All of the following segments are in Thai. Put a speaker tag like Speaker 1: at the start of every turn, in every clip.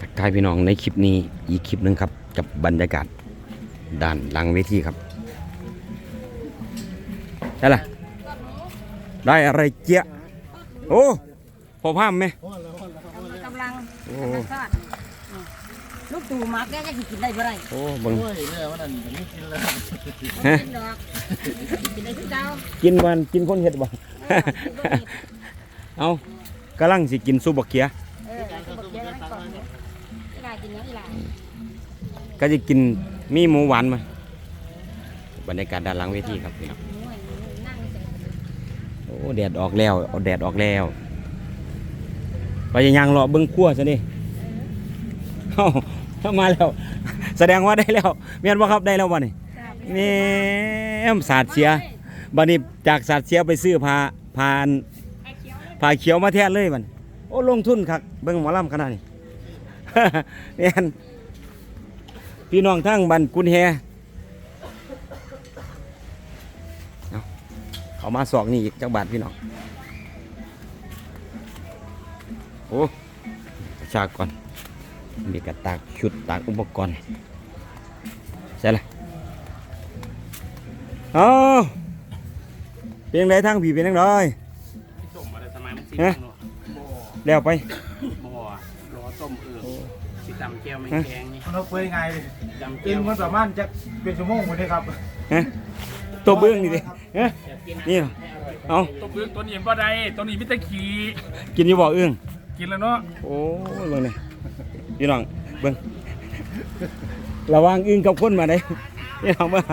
Speaker 1: กทายพี่น้องในคลิปนี้อีกคลิปหนึ่งครับกับบรรยากาศด้านหลังเวทีครับได้ละได้อะไรเจี๊ยโอ้พอพามไหม
Speaker 2: กำลัง
Speaker 1: โอ้
Speaker 2: ทอดลูกตู่มักแกจะกินได้บ่ได้
Speaker 1: โอ้เบิ่ง
Speaker 3: เนี่ยวันนั้นไม่กินเลย
Speaker 1: ฮะ
Speaker 2: กินดอกกินได้ทุกเจ้า
Speaker 1: กินวันกินคนเห็ดบ่ เอากำลังสิกินซุปบักเขีย
Speaker 2: บอกเยอะแล้วก่อนอีหลากินยังอีหลา
Speaker 1: ก็จะกินมีหมูหวานมาบรรยากาศด้านหลังเวทีครับพี่น้อง
Speaker 2: นั่งเฉย
Speaker 1: โอ้แดดออกแล้วเอาแดดออกแล้วไปยังรอเบิ้งขั้วซะนี่เข้ามาแล้ว แสดงว่าได้แล้วเมียนว่าครับได้แล้ววันนี้นี่ศาสตร์เสียบัดนี้จากศาสตร์เสียไปซื้อผ้าเขียวมาแทนเลยบัดโอ้ลงทุนครับเบิ้งหมอลำขนาดนี้ เนี่ยพี่น้องทั้งบันกุนแฮเอามาสอกนี่อีกจักบาทพี่น้องโอ้ชาก่อนมีกระตากชุดตากอุปกรณ์ใช่เลยเอาเป็นยังไงทางผีเป็นยังไงฮะเดี๋ยวไป
Speaker 3: บ่รอต้มสิตำแก้วไม่แกงนี่
Speaker 4: มันเปื่อยไงดิ
Speaker 3: ตำ
Speaker 4: กิ
Speaker 3: แก้
Speaker 4: น
Speaker 3: ว
Speaker 4: มันประมาณจะเป็นชั่วโมงหมดเลยครับ
Speaker 1: ฮะตัวเบื้องนี่ดิฮะนี่เหรอเอา
Speaker 3: ต้มเบื้องตัวนี้บ่ได้ตัวนี้มิตรขี่
Speaker 1: กินอยู่บ่เอื้อง
Speaker 3: กินแล้วเนาะ
Speaker 1: โอ้ยเบิ่งนี่พี่น้องเบิ่งระวังอึ้งกับคนมาได้พี่น้องว่า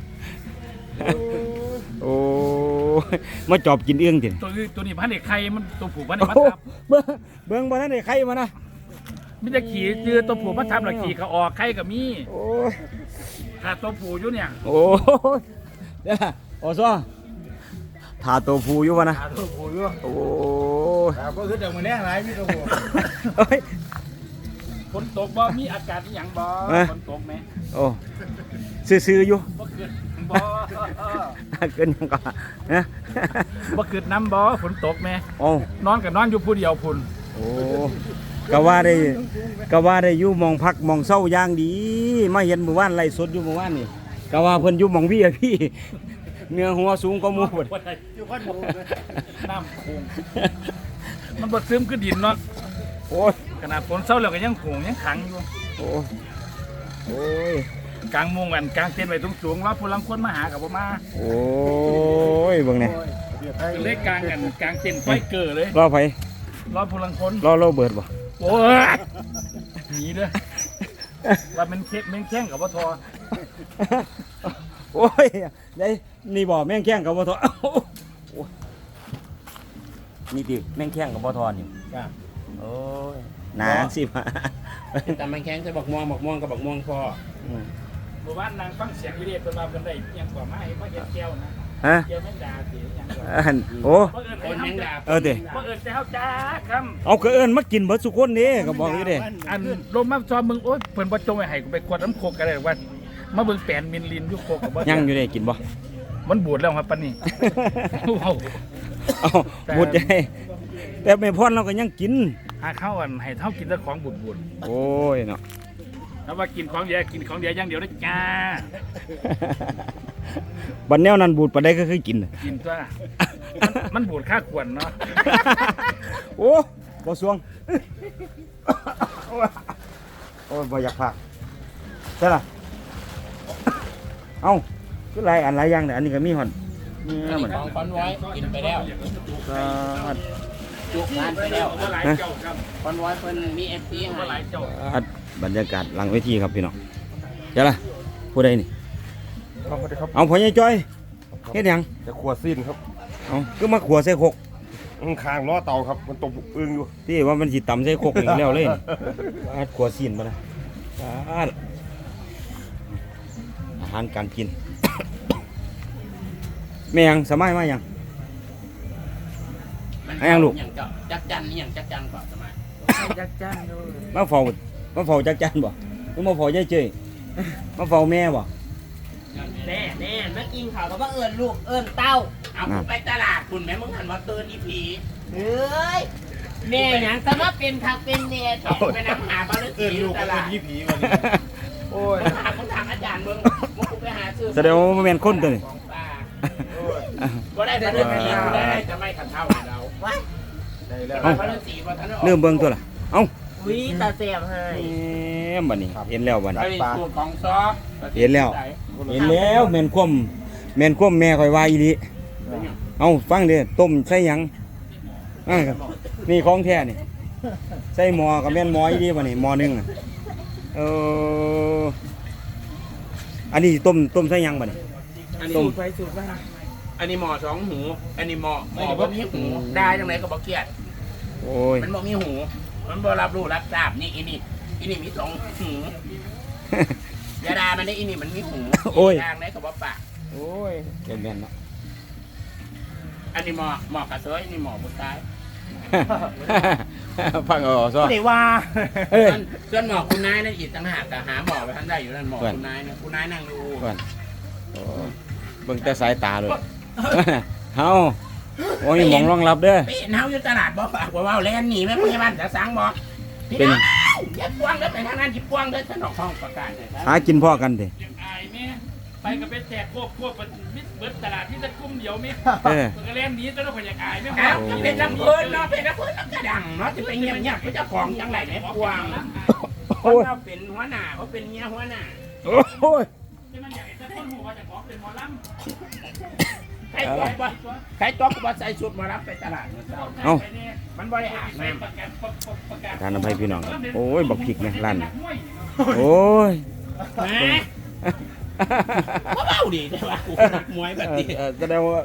Speaker 1: โอ้ยมาจอบกินเอื้องติ
Speaker 3: ตัวนี้พันเด็กไข่มันตัวผูกพันเด็
Speaker 1: โอ้
Speaker 3: กมัดทับ
Speaker 1: เบิ่งบ่ทันได้ใครมานะ
Speaker 3: มิตรขี่คือตัวผูกมัดทับหลักขี่เขาออกไข่กับมี
Speaker 1: โอ้ย
Speaker 3: ถ้าตัวผูอยู่เนี่ย
Speaker 1: โอ้ยเดี๋ยวโอ้ซ้อถาตัวผู้อยู่วะนะ
Speaker 4: หาตัวผู้อยู่
Speaker 1: โอ้ย
Speaker 4: ครับก็คือเดี๋ยวมันแน่ไรพี่ตัวผู้
Speaker 1: เฮ้ย
Speaker 3: ฝนตกบ่มีอากาศอหย่างบ่ฝนตกไหม
Speaker 1: โอ้ซื่อๆอยู่
Speaker 3: บ่เกิดบ่
Speaker 1: เกินยังก่อนนะ
Speaker 3: บ่เกิดน้ำบ่ฝนตกไหม
Speaker 1: โอ้
Speaker 3: นอนกับนอนอยู่ผู้เดียวพุ่น
Speaker 1: โอ้ก็ว่าได้อยู่หมองพักหมองเศร้าอย่างดีมาเห็นหมู่บ้านไร่สดอยู่หมู่บ้านนี่ก็ว่าเพิ่นอยู่หมองพี่อะพี่เนื้อหัวสูงกว่าหมู่พุ่น
Speaker 4: อยู่ข้างบน
Speaker 3: น้ำโขงมันบดซึมขึ้นดินเนาะ
Speaker 1: โอ้ย
Speaker 3: ขนาดฝนเศร้าแล้วก็ยังโขงยังขังอยู่
Speaker 1: โอ้ยโอ้ย
Speaker 3: กลางมุงกันกลางเต็นท์ไว้สูงๆรอบพลังคนมาหากับบ่มา
Speaker 1: โอ้ยเบิ่งนี่
Speaker 3: เล็กกลางกันกลางเต็นท์ไฟเกิดเลย
Speaker 1: รอไผ
Speaker 3: รอบพลังคน
Speaker 1: รอโรเบิร์ตบ่
Speaker 3: โอ้ยหนีเด้อว่ามันเค็มแม่งแข้งกับว่าทอ
Speaker 1: โอ้ยได้นี่บ่แม่งแข้งกับบ่ทอโอ้ยนี่ติแม่งแข้งกับบ่ทอนี่โอ้ยหนาสิมา
Speaker 3: แต่มันแข้งจะบักม่วงกับบักม่วงพอหมู่บ้านนางฟังเสียงวิเดียเป็นว่าเป็นได้ยังกว่ามาให้มาเห็นแก้วนะ
Speaker 1: ฮะ
Speaker 3: แก้วแม่งดาสิยังกว่า
Speaker 1: โอ้
Speaker 3: คนแม่งดา
Speaker 1: เออติ
Speaker 3: บ่เอิ้นแต่เฮาจ้าคำ
Speaker 1: เอาก็เอิ้นมากินเบิดสุคนนี่ก็บอกอยู่เด้
Speaker 3: อันลมมาซอมมึงโอ๊ยเพิ่นบ่จงไว้ให้กูไปกวดน้ำโคกกันเลยว่ามาเบิ่งแปลนมินลินอยู่โคกกับบ่
Speaker 1: ยังอยู่เด้กินบ่
Speaker 3: มันบูดแล้วครับปานนี้ เว้า
Speaker 1: เอาบุดใจแต่แม่พรเราก็ยังกิน
Speaker 3: หาข้าวอันให้เท่ากินแต่ของบูด
Speaker 1: โอ้ยเนาะ
Speaker 3: ๆถ้าว่ากินของเดียวกินของเดียวอย่างเดียวได้จ้า
Speaker 1: บัดแนวนั้นบูดปานใดก็คือกิน
Speaker 3: กินตัวมันบูดค่าควรเนาะ
Speaker 1: โอ้บ่สวงโอ้ยบ่อยากพากใช่ล่ะเอ้าคือหลายอันหลายอย่างเนี่ยอันนี้ก็มีหอนนี่เหมือน
Speaker 3: ของคอนไว้กินไปแล้ว
Speaker 1: ก็
Speaker 3: จุกงานไปแล้วบ่หลาย
Speaker 1: ฮะ
Speaker 3: เจ้าครับ
Speaker 5: คอนไว้เพิ่นมี FP
Speaker 3: บ่
Speaker 5: ให้
Speaker 3: หลายเจ้า
Speaker 1: บรรยากาศหลังเวทีครับพี่น้องใช่ล่ะผู้ใดนี่
Speaker 4: ครับสวัสดีครับ
Speaker 1: เอาพ่อใหญ่จ้อยเฮ็ดหยัง
Speaker 4: จะขวดสิ้นครับ
Speaker 1: เอาคือมาขัวใส่ครก
Speaker 4: คางล้อเตาครับมันตกอึ้งอยู่
Speaker 1: ที่ว่ามันสิตำใส่ครกนี่แล้วเลยนี่ขัวซีนบ่นะอาหารการกิน แม่ยังสมัยมายัง ให้ยังลูก
Speaker 5: อย่างเจ้าจักจันนี่อย่างจักจันกว่าสมัย
Speaker 3: จักจ้านดู
Speaker 1: มาเฝ้าจักจันบ่หรือมาเฝ้ายายเจ้ยมาเฝ้าแม่บ่
Speaker 5: แน่มากินข้าวก็ว่าเอิ้นลูกเอิ้นเต้าเอาคุณไปตลาดคุณแม่มึงหันมาเตือนอีผีเฮ้ยแม่หยังแต่ว่าเป็นคักเป็นแน่แท้ไปนั่งหาบ้านเอิ้นอยู่ตลาด
Speaker 4: โอ้ย
Speaker 5: หาคนถามอาจารย์เบิ่งมึงกูไปหาซื้อ
Speaker 1: แสดงว่าบ่แม่นคนตัวนี้
Speaker 5: ของป้าบ่ได้แต่เรื่องนี้บ่ได้จะไม่ขัดเท่าเราว้าย
Speaker 4: ได้แล้ว
Speaker 1: เอ้า
Speaker 5: พระฤาษีบ่ทันได้ออก
Speaker 1: เริ่มเบิ่งตัวล่ะเอ้า
Speaker 5: อุ้ยตาแซ่บให้
Speaker 1: บัดนี้เห็นแล้วบัดนี้
Speaker 3: ไอ้สูตรของซอ
Speaker 1: เห็นแล้ว เห็นแล้วแม่นความแม่นความแม่ข่อยว่าอีหลีเอ้าฟังเด้อต้มใส่หยังนี่ของแท้นี่ใส่หม้อก็แม่นหม้ออีหลีบัดนี้หม้อหนึงอะอันนี้ต้มใส่หยังบัดนี้
Speaker 3: อันนี้
Speaker 1: ต้ม
Speaker 3: อันนี้หมอสองหู อันนี้หมอบ่มีหูได้จังไหนก็บ่เกลียด
Speaker 1: โอ้ย
Speaker 3: มันบ่มีหู มันบ่รับรู้รับทราบนี่อีนี่มีสองหูอยาดามันได้อีนี่มันมีหู
Speaker 1: โอ้ย
Speaker 3: ทางไหนก็บ่ปาก
Speaker 1: โอ้ยเกินแม่นเนาะ
Speaker 3: อันนี้หมอกระเซยนี่หมอผู้ชาย
Speaker 1: ฟังเอาซะ
Speaker 5: ได้ว่า
Speaker 1: เอ้ย
Speaker 3: ส่วนหมอคุณนายนั่นอีกต่างหากแต่หาหมอไปท่านได้อยู่นั่นหมอคุณนายนะคุณนายนั่งดู
Speaker 1: ก่อนโอ้เบิ่งแต่สายตาเลยเฮาโอ้ยหมองรองรับเด้อ
Speaker 3: พี่เฮาอยู่ตลาดบ่ฝากว่าแล่นหนีแม่พยาบาลจะสั่งบอกพี่
Speaker 1: เป็น
Speaker 3: น้องอย่าพวงเด้อไปทางนั้นอย่าพวงเด้อท่านออกห้องประกาศเลยครับ
Speaker 1: หากินพ่อกันเด้
Speaker 6: ยังอายแม่ไปก็ไปแจกควบมิดเบิดตลาดที่ตะกุ้มเดียวแม่
Speaker 1: เออ
Speaker 6: มันก็เล่นหนี้ตอนนั้นคนอยากอายแม่
Speaker 3: อ้าวจะเป็นลำเพิ่นเนาะเป็นลำเพิ่นแล้วก็ดังเนาะจะไปเงียบเงียบเจ้าของจังไรเนี่ยพวงคนเราเป็นหัวหน้าเขาเป็นเมียหัวหน้า
Speaker 1: โอ้ย
Speaker 6: ที่มันอยากให้ตะกุ้มหัวจะขอเป็นหมอลำ
Speaker 3: ใครตัวบ่ใครตัวก็บ่ใส่ชุดมารับไปตลาดเมื่อเช้า
Speaker 1: เอ้า
Speaker 3: มันบ่ได้อาบน้ำ
Speaker 6: ประกาศ
Speaker 1: ทานอภัยพี่น้องโอ้ยบักพริกแม่ร้านนี้โอ้ย
Speaker 3: แหมเบาๆดิแต่ว่ากูนักมวยแบบนี้
Speaker 1: แสดงว่า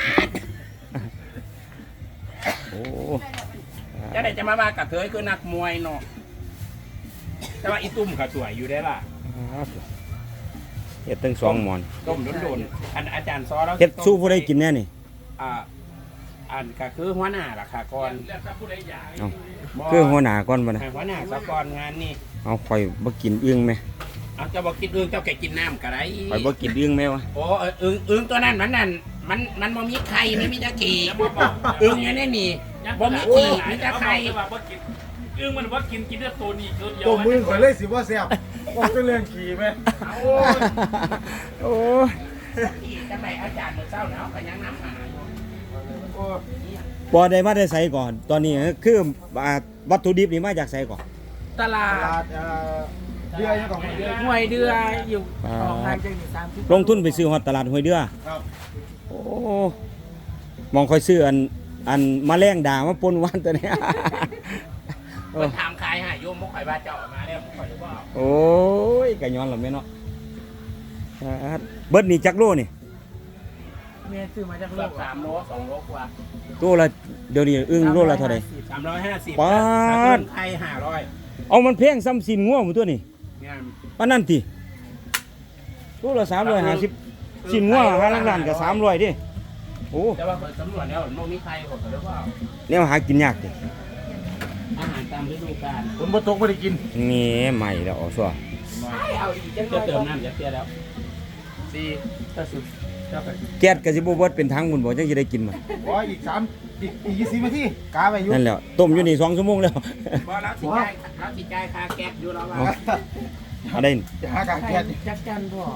Speaker 1: โอ้
Speaker 3: จะได้จะมาว่ากับเธอคือนักมวยเนาะแต่ว่าอีตุ้มเขาสวยอยู่ได้ล่ะ
Speaker 1: เฮ็ดตั้งสองหมอน
Speaker 3: ต้มโดนๆอันอาจารย์ซอแล้ว
Speaker 1: เฮ็ดสู้ผู้ใดกินแน่นี่
Speaker 3: อันก็คือหัวหน้าล่ะค่ะก่อน
Speaker 6: เลือกผู้ใดอยาก
Speaker 1: เอ้าคือหัวหน้าก่อนบ่นะ
Speaker 3: ให้หัวหน้าซะก่อนงานนี่
Speaker 1: เอาข่อยบ่กินอึ่งแม่
Speaker 3: เอาเจ้าบอกกินอึ้งเจ้าแกกินน้ำก็ได้
Speaker 1: ข่อยบ่กินอึ่งแม่วะ
Speaker 3: โอ้อึ้งตัวนั้นมันบ่มีไข่ไม่มีตะกี้อึ้งอยู่ในนี่บ่มีขี้มีแต่ไข่
Speaker 6: ว่ากินอึ้งมันว่ากินได้ตัวนี้ตัวเดียว
Speaker 4: ตัวมือข่อยเลยสิว่าแซ่บบอกเป็นเรื่องขี่ไหม
Speaker 1: โอ้ยโอ้ย
Speaker 3: ขี้จังไดอาจารย์มื้อเช้าเนาะก็ยังน้ำหาอยู่
Speaker 1: บ่ได้มาได้ใส่ก่อน ตอนนี้คือวัตถุดิบนี่มาจากไสก่อน
Speaker 5: ตลา
Speaker 4: ตลา
Speaker 5: ด
Speaker 4: ดเดือยยังก่อนเดือย
Speaker 5: ห้วยเดืออยู่ออกทางจังหวัด30
Speaker 1: ลงทุนไปซื้อฮอดตลาดห้วยเดือ
Speaker 4: ครับ
Speaker 1: โอ้มองค่อยซื้ออันแมลงด่างมาปนวันตัวเนี้ย
Speaker 3: เพิ่นถามขายให้โยมบ่ค่อยว่าเจ้าเอามาแล้วบ่ค่อยว่า
Speaker 1: โอ้ยกะย้อนละแม่เนาะเบิดนี่จักโลนี่
Speaker 5: แม่ซื้อมาจากโล
Speaker 3: เกือบ
Speaker 5: ก
Speaker 3: 3โล2โลกว่า
Speaker 1: ตัวละเดี๋ยวนี้อึ้งโลละเท่าไหร่
Speaker 3: 350
Speaker 1: ป๊าด
Speaker 3: ไข่500
Speaker 1: เอามันแพงซ้ำสินง่วงหมดตัวนี่
Speaker 3: เนี่ย
Speaker 1: ปานนั้นติตัวละ350สินง่วงหาล้านก็300ดิโอ้
Speaker 3: แต่ว่าเปิดสำรวจแล้วมันบ่มีไข่หมดแล้วว่า
Speaker 1: แนวหากินยากติ
Speaker 3: อาหารตามฤดูกาล
Speaker 4: คนบ่ตกไม่ได้กิน
Speaker 1: นี่ใหม่แล้วเอาซัว
Speaker 3: เอาอีกจะเติมน้ำจะเสียแล้ว4ถ้าสุดเจ้าไป
Speaker 1: แก๊สก็สิบ่เบิดเป็นถังพุ่นบ่จังสิได้กินมัน
Speaker 4: ว่าอีก20นาทีกาไปอยู่
Speaker 1: นั่นแหล้วต้มอยู่นี่2ชั่วโมงแล้ว
Speaker 3: บ่รับสิจ่ายค่าแก๊สอยู่แล้วว่า
Speaker 1: เอาได้
Speaker 4: จะหากางแก๊ส
Speaker 5: จักจันพ่อ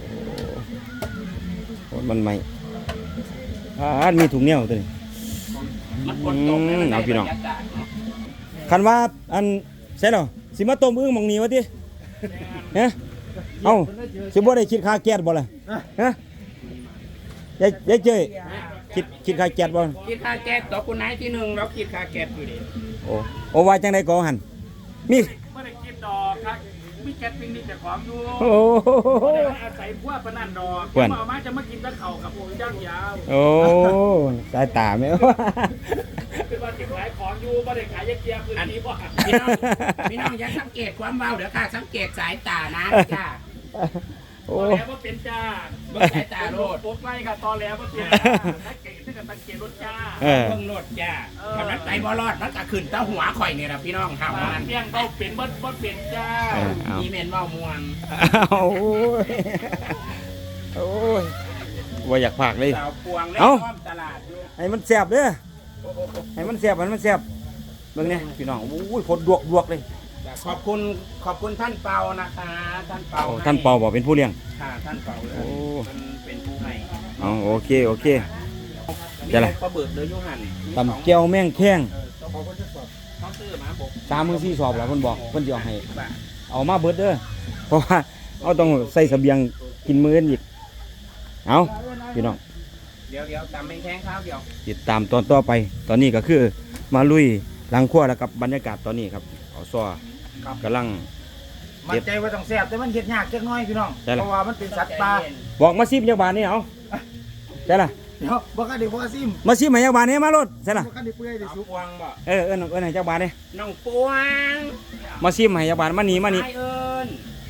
Speaker 1: โอ้มันใหม่มีถุงเหนียวตัวนี้
Speaker 3: มันฝนตกแล้วมัน
Speaker 1: เอาพี่น้อง
Speaker 3: บรรยากาศเนาะ
Speaker 1: คันว่าอันใช่เหรอสิมาต้มอึ้งหมองนี้วะติฮะเอ้าสิบ่ได้คิดค่าแก๊สบ่ล่ะฮะยายเจ้ยคิดค่าแก๊สบ่
Speaker 3: คิดค่าแก๊สต่อคุณนายที่หนึ่งแล้วคิดค่าแก๊สอยู่ดิ
Speaker 1: โอ้ว่าจังได๋ก็หันมี
Speaker 6: ไม่ได้กินดอกครับมีแก๊สปิ้งนี่แต่ของอยู่
Speaker 1: โอ้
Speaker 6: ไม่ได้อาศัยพวกปนันดอกเอามาจะมากินตะเข่ากับพวกย่างยาว
Speaker 1: โอ้สายตาแม่
Speaker 6: เป็นว่าติดขายของอยู่ไม่ได้ขายเกียร์พื้นที่บ่
Speaker 3: พี่น้องอย่าสังเกตความเบาเดี๋ยวค่ะสังเกตสายตานะจ้า
Speaker 1: โอ้
Speaker 6: ตอแล้วว่าเป็นจ้า
Speaker 3: เบิ่งสายตาโลด
Speaker 6: ปุ๊บไล่ค่ะตอแล้วว่าเป็นสังเกตที่กับสังเกตรถจ้า
Speaker 1: เออ
Speaker 3: เบิ่งโลดจ้าทำนั้นไปบ่รอดมันก็ขึ้นเต้าหัวข่อยนี่ล่ะพี่น้องเฮามัน
Speaker 6: เมี่ยงเขาเป็นบ่เป็นจ้า
Speaker 1: เอา
Speaker 3: มีเมนเว้าม่วง
Speaker 1: โอ้ยโอ้ยว่าอยากพากเลย
Speaker 3: สาวพวงและ
Speaker 1: เอ้า
Speaker 3: อ้อมตลาดอยู่
Speaker 1: ให้มันแซ่บเด้อให้มันแซ่บเบิ่งเนี่ยพี่น้องโอ้ยผลดวกเลย
Speaker 5: ขอบคุณท่านเปานะคะท่านเปา
Speaker 1: โอ้ท่านเปาบอกเป็นผู้เลี้ยง
Speaker 5: ค่ะท่านเปาเลย
Speaker 1: โอ้
Speaker 5: เป็นผู้ให้
Speaker 1: เอาโอเค
Speaker 5: มี
Speaker 1: จะไร
Speaker 5: ปลาเบิกเลยยูหัน
Speaker 1: ตำแก้วแม่งแข้ง
Speaker 5: เขาซื้อมาบอก
Speaker 1: 3 มื้อ 4 สอบแล้วเพิ่นบอกเพิ่นสิเอาให้
Speaker 5: บาท
Speaker 1: เอามาเบิดเด้อเพราะว่าเอาต้องใส่เสบียงกินมื้ออื่นอีกเอาพี่น้อง
Speaker 5: เดี๋ยวตำแมงแข้งข้าวเดียว
Speaker 1: ติดตามตอนต่อไป ตอนนี้ก็คือมาลุยหลังครัวแล้วกับบรรยากาศตอนนี้ครับเอาซ้อกำลัง
Speaker 4: มันใจว่าต้องแซ่บแต่มันเฮ็ดยากจักหน่อยพี่น้อง
Speaker 1: ใช่ล่ะ
Speaker 4: เพราะว่ามันเป็นสัตว์ป่า
Speaker 1: บอกมาซิมจักบาทนี่เอาใช่ล่ะ
Speaker 4: เดี๋ยวบ่คันได้บ่ซิม
Speaker 1: มาซิมให้จักบาทนี่มารถใช่ล่ะ
Speaker 4: บ่คันได้เปื่อยได้
Speaker 5: เอา
Speaker 4: สุก
Speaker 5: ปวงบ่
Speaker 1: เอิ้นให้จักบาทนี่
Speaker 5: น้องปวง
Speaker 1: มาซิมให้จักบาทมานี่
Speaker 5: ไอเอิญ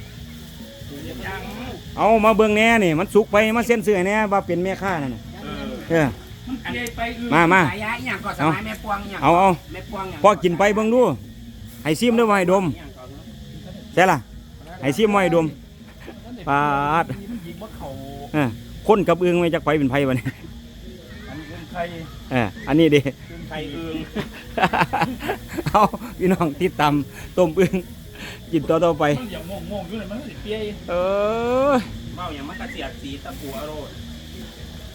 Speaker 1: เอามาเบิ่งแหน่นี่มันสุกไปมาเซ็นเสื้อแหน่ว่าเป็นแม่ค้านั่นน่ะเออ
Speaker 6: มันเกยไปอื่น
Speaker 1: มา
Speaker 5: สายยาอหย่างก่อนสมัยแม่ปวงอหย่าง
Speaker 1: เอา
Speaker 5: แม่ปวงอหย่าง
Speaker 1: พอกินไปเบิ่งดูให้ซิมด้วยว่าให้ดม
Speaker 5: อหย่างก่อนเนอะ
Speaker 1: ใช่ล่ะให้ซิมว่าให้ดมปาด
Speaker 6: มันยิงว่าเขา
Speaker 1: เออคนกับอึงไม่จักไปเป็นไผบัดนี้
Speaker 6: อันนี้เป็นใคร
Speaker 1: อันนี้ดิ
Speaker 5: ไข่เอิง
Speaker 1: เอาพี่น้องติดตามต้มอึงกินต่อไป
Speaker 6: มันอย่างงงๆอยู่เลยมันก็สิเปีย
Speaker 1: เออ
Speaker 5: เมาอย่างมันกระเสียดสีตะปูอโรด